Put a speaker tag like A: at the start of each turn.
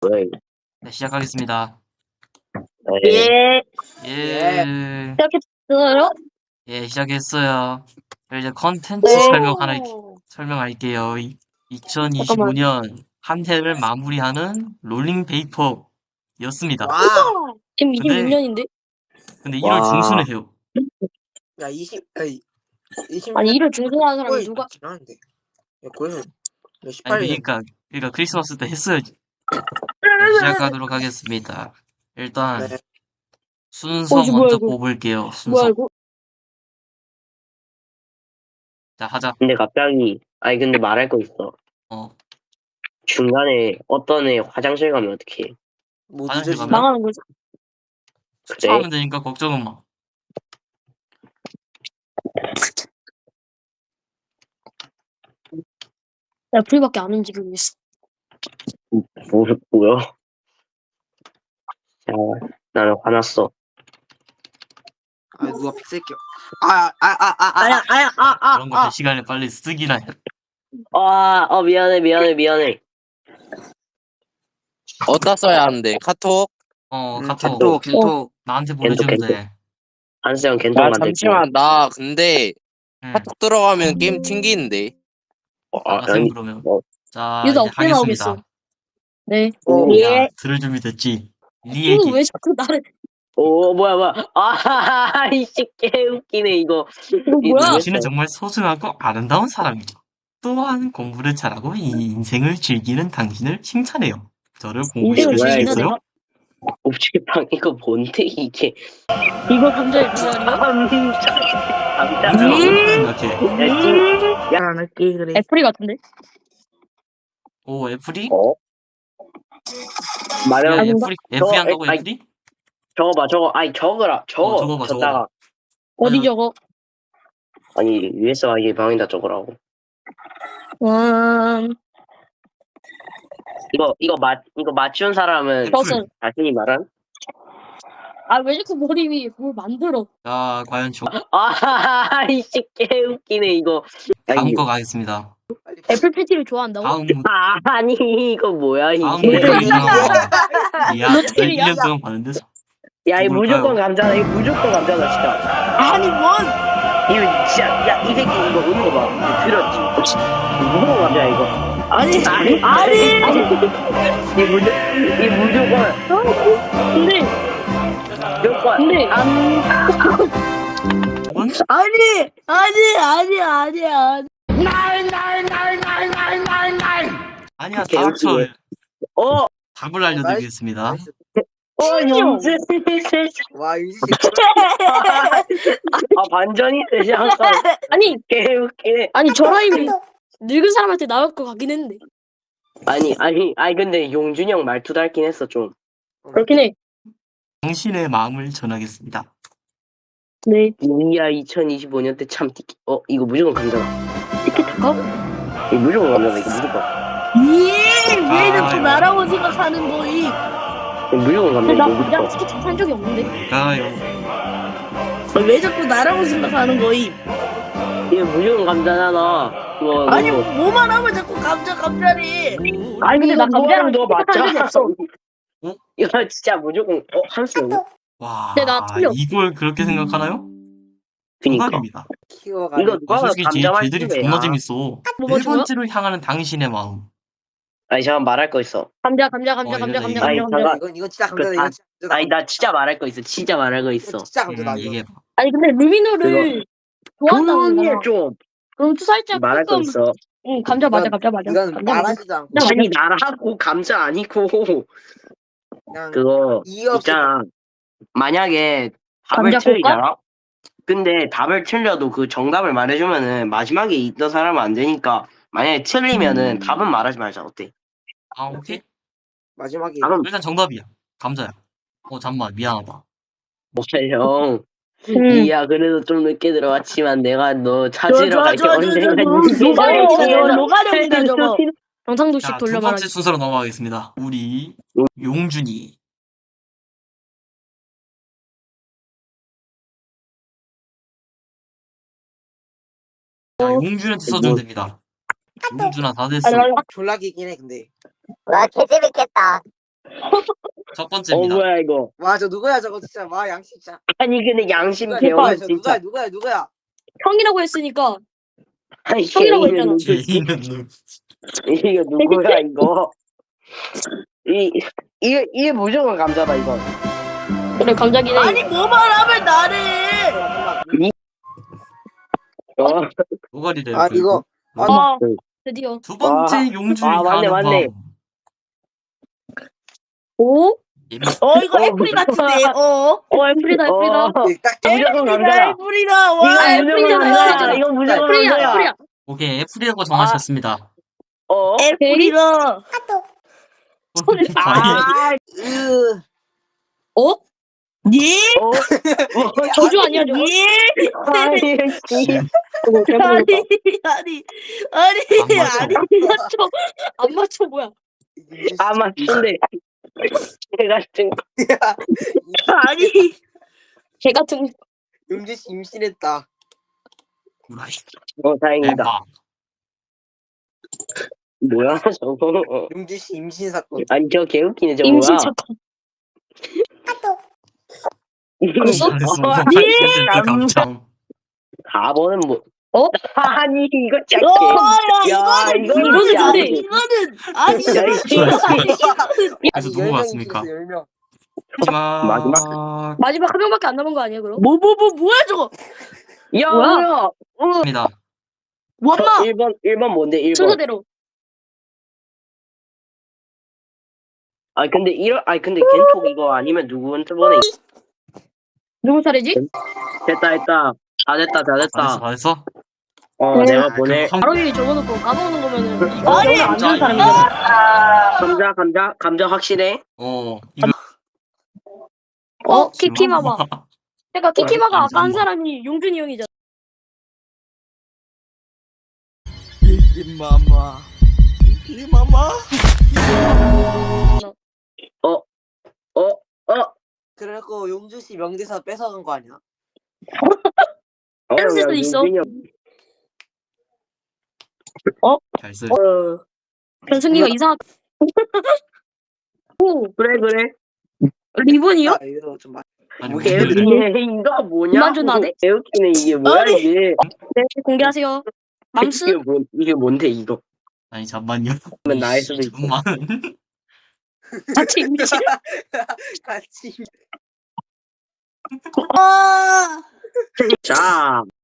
A: 왜?
B: 네, 시작하겠습니다.
A: 예.
B: 예,
C: 시작했어요?
B: 예, 시작했어요. 이제 컨텐츠
C: 네.
B: 설명할게요.
C: 잠깐만.
B: 2025년 한 해를 마무리하는 롤링 베이퍼였습니다.
D: 와,
C: 지금
B: 근데-
C: 26년인데?
B: 근데 1월
A: 와.
B: 중순에 해요.
D: 야, 20
C: 아니, 일을 중순하는 사람이 누가?
D: 지났는데. 야, 거의
B: 아니,
D: 18년.
B: 그러니까 크리스마스 때 했어야지. 네, 시작하도록 하겠습니다. 일단
D: 네.
B: 순서
C: 이거 뭐야,
B: 먼저
C: 이거?
B: 뽑을게요.
C: 뭐야
B: 순서.
C: 이거?
B: 자, 하자.
A: 근데 갑자기 근데 말할 거 있어.
B: 어,
A: 중간에 어떤 애 화장실 가면 어떡해?
D: 뭐
B: 화장실
D: 늦어지나?
B: 가면?
C: 망하는 거지?
B: 주차하면 되니까 걱정은 마.
C: 나 불밖에 안 움직이고 있어.
A: 뭐야? 야, 나는 화났어.
D: 아, 누가 픽셀 껴.
B: 그런 거 몇 시간에 빨리 쓰기나 해.
A: 미안해.
E: 어디다 써야 하는데? 카톡?
B: 카톡.
D: 겐톡.
B: 나한테 보내주면
A: 겐톡.
B: 돼.
A: 한수형 겐통
E: 아
A: 만들고.
E: 잠시만 나 근데
B: 응.
E: 카톡 들어가면 게임 튕기는데.
B: 알아서 그러면. 자,
C: 이러다
B: 이제
C: 어떻게
B: 하겠습니다.
C: 나오겠어? 네.
B: 야, 들을 준비 됐지? 네 얘기.
C: 왜 자꾸 나를?
A: 뭐야. 이씨 개웃기네 이거.
C: 이거 뭐야?
B: 당신은 정말 소중하고 아름다운 사람이죠. 또한 공부를 잘하고 이 인생을 즐기는 당신을 칭찬해요. 저를
C: 인생을
B: 공부시킬 수
A: 즐기는
B: 있겠어요?
C: 내가?
A: 옵지방 이거 뭔데 이게?
C: 이거 감자의 미안이야?
A: 감자라고
B: 생각해.
D: 안 할게, 그래.
C: 애플이 같은데?
B: 오, 애플이?
A: 어? 말해.
B: 야,
C: 아닌가?
B: 애플이 한다고
A: 아니,
B: 애플이?
A: 저거 봐. 적어라.
B: 적어봐.
A: 적다가
C: 어디 저거?
A: 아니 위에서 이게 방에다 적으라고. 이거 맞춘 사람은
B: 애플.
C: 버섯.
A: 자신이 말한?
C: 왜 자꾸 머리 위에 뭘 만들어?
B: 자, 과연
A: 이씨 개웃기네 이거.
B: 다음 거 가겠습니다.
C: 애플 패티를 좋아한다고?
B: 다음
A: 아니 이거 뭐야
B: 다음
A: 이게?
B: 문제 이상한 거. 야,
C: 로테리야?
B: 1년 동안 봤는데
A: 야 이거
B: 누굴까요?
A: 무조건 감자다. 이거 무조건 감자다 진짜.
D: 아니, 뭔!
A: 이거 진짜 야 이 새끼 이거 오는 거 봐. 이거 들었지? 무조건 감자 이거.
D: 아니!
A: 이 무조건
C: 근데
A: 무조건
B: 이건
C: 아니야.
B: 아니야, 다 합쳐.
A: 어
B: 답을 알려드리겠습니다.
A: 영재.
D: 와, 이
A: 반전이 되지 않까?
C: 아니
A: 개웃기네.
C: 저 라임이 늙은 사람한테 나올 것 같긴 했는데.
A: 아니 근데 용준이 형 말투 닮긴 했어 좀.
C: 그렇긴 해.
B: 당신의 마음을 전하겠습니다.
C: 네.
A: 이야 2025년 때 참 이거 무조건 감자다.
C: 티켓타카?
A: 이거 무조건 감자다 이거 무조건.
C: 왜
B: 자꾸
C: 나라고 생각하는 거이?
A: 이거 무조건 감자
C: 근데 나
A: 이거
C: 그냥
A: 무조건.
C: 티켓 산 적이 없는데.
B: 가요.
F: 왜 자꾸 나라고 생각하는 거임?
A: 이거 무조건 감자잖아. 이거
F: 아니
A: 이거.
F: 뭐만 하면 자꾸 감자리.
A: 아니
C: 근데 나 감자랑
A: 너
C: 티켓 산 적이
A: 맞잖아.
C: 없어.
A: 이거 진짜 무조건 한수.
B: 와,
C: 근데 나 틀려.
B: 이걸 그렇게 생각하나요?
A: 그니까.
B: 정답입니다.
D: 키워가.
A: 이거 누가
B: 솔직히
A: 감자
B: 쟤들이
A: 말투네.
B: 존나 재밌어.
C: 뭐
B: 네
C: 맞춰요?
B: 번째로 향하는 당신의 마음.
A: 아니 잠깐 말할 거 있어.
C: 감자.
B: 이거
A: 아니, 잠깐.
D: 이건 진짜 감자다. 이건 진짜 감자다.
A: 아니 나 진짜 말할 거 있어. 진짜 말할 거 있어.
D: 이거 진짜 감자다. 이거.
B: 얘기해봐.
C: 아니 근데 루미노를 좋아한다고
A: 조용히
C: 했잖아.
A: 해 좀.
C: 그럼 투살짝
A: 말할 거
C: 조금
A: 있어.
C: 응 감자 맞아.
D: 이건
C: 감자 맞아.
D: 말하지도 않고
A: 아니 나라고 감자 아니고
D: 그냥
A: 그거
D: 이어
A: 있잖아. 만약에 답을
C: 감자
A: 틀리잖아. 근데 답을 틀려도 그 정답을 말해주면은 마지막에 있던 사람은 안 되니까 만약에 틀리면은 답은 말하지 말자. 어때?
B: 아, 오케이.
D: 마지막에
A: 답은
B: 일단 정답이야. 감자야. 잠만 미안하다.
A: 뭐야 형.
C: 응.
A: 이야 그래도 좀 늦게 들어왔지만 내가 너 찾으러 갈게 언젠가.
F: 노가령이다 저거.
C: 경상도식
B: 자, 두
C: 돌려
B: 번째
C: 말하기.
B: 순서로 넘어가겠습니다. 우리 용준이. 자, 용준한테 써주면 됩니다. 용준아 다 됐어.
D: 졸라 기긴 해 근데.
G: 와, 개재밌겠다.
B: 첫 번째입니다.
A: 뭐야 이거?
D: 와, 저 누구야 저거 진짜. 와, 양심 진짜.
A: 아니 근데 양심
D: 누구야,
A: 배워
D: 누구야, 저
A: 진짜.
D: 누구야.
C: 형이라고 했으니까
A: 아니
C: 형이라고
A: 개인은
C: 했잖아.
A: 누구지?
B: 개인은 누구?
A: 이거 누구야 이거? 이게 무조건 감자다 이거.
C: 그래 감자기네.
F: 아니 뭐만 하면 나를.
A: 어?
B: 노가리를
D: 아, 이거.
B: 끌고.
C: 아 드디어.
B: 두 번째
A: 와.
B: 용준이
A: 아, 맞네,
B: 가는
A: 맞네.
B: 방.
C: 오?
F: 이거 애플이 같은데.
C: 애플이다 애플이다.
D: 딱
A: 무조건 감자야.
F: 애플이다. 와
A: 이거 무조건
C: 애플이다,
A: 감자야.
C: 애플이다.
A: 이거 무조건
C: 애플이야
A: 감자야.
C: 애플이야.
B: 오케이, 애플이라고 정하셨습니다.
F: 애플이다.
A: 아,
C: 어?
F: 예?
C: 저주 아니야 저거?
F: 예?
A: 아니, 씨.
F: 아니.
C: 안 맞춰 뭐야?
A: 아 맞춘데. 제가 지금
F: 아니.
C: 개 같은.
D: 용진 씨 임신했다.
B: 구라이.
A: 다행이다.
B: 대박.
A: 뭐야 저거?
D: 용진 씨 임신 사건.
A: 아니 저 개웃기네 저거
C: 임신
A: 뭐야?
C: 사건.
A: 벌써?
B: 예! 감정.
A: 4번은 뭐? 아니 이거
F: 야,
A: 짧게. 야
C: 이거는
A: 진짜
C: 근데
A: 아니지.
F: 이거는 아니.
A: 야, 이거
B: 그래서 누구 같습니까?
D: 10명.
B: 마지막.
C: 마지막 한 명밖에 안 남은 거 아니야 그럼?
F: 뭐야 저거?
A: 야
C: 뭐야?
A: 뭐야?
B: 입니다.
F: 원마.
A: 1번 뭔데 1번?
C: 순서대로.
A: 근데 겐톡 이거 아니면 누구한테 보내?
C: 누구 차례지?
A: 됐다. 다 됐다.
B: 잘했어.
A: 내가 보내.
C: 바로 위에 적어놓고 까먹는 거면은 이거
F: 아니,
C: 영어 안 되는
B: 진짜
C: 사람이잖아.
A: 감자 확실해?
B: 이거
C: 키키마마. 그러니까 키키마가 아까 한 사람이 용준이 형이잖아.
D: 그래갖고 용준 씨 명대사 뺏어간 거 아니야?
C: 뺏을 수도 있어.
B: 잘 쓰.
C: 변승기가 이상하. 오
A: 그래.
C: 리본이요?
D: 아, 이거 좀
B: 아니,
A: 뭐 개웃기네. 이거 뭐냐?
C: 그만 좀 나대?
A: 개웃기네 이게 뭐야
F: 아니.
A: 이게?
C: 네 공개하세요. 맘스
A: 이게 뭔데 이거?
B: 아니 잠만요.
A: 그러면 나일 수도 있어.
B: 잠만.
C: 같이 임신.
D: 같이.
F: 아.
A: 자,